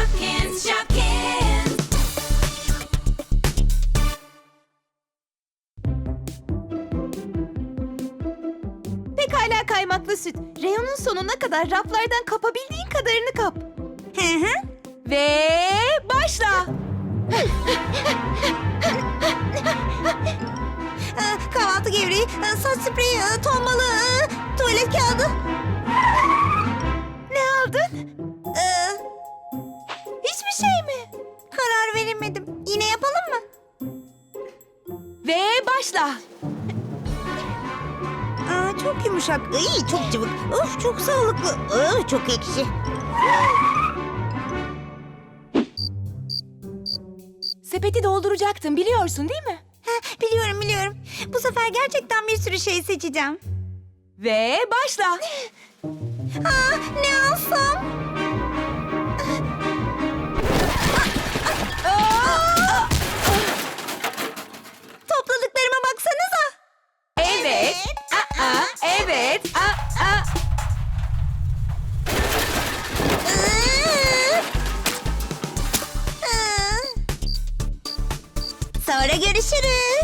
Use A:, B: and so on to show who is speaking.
A: Shopkins, Shopkins.
B: Pekala kaymaklı süt. Reyonun sonuna kadar raflardan kapabildiğin kadarını kap. Ve başla.
C: Kahvaltı gevreği, saç spreyi, ton balığı, tuvalet kağıdı.
B: Ne aldın? Hiçbir şey mi?
C: Karar veremedim. Yine yapalım mı?
B: Ve başla.
C: Çok yumuşak, çok cıvık. Of, çok sağlıklı. Çok ekşi.
B: Sepeti dolduracaktın biliyorsun değil mi?
C: Biliyorum. Bu sefer gerçekten bir sürü şey seçeceğim.
B: Ve başla.
C: Ne alsam? Topladıklarıma baksanıza.
B: Evet. Evet.
C: Sonra görüşürüz.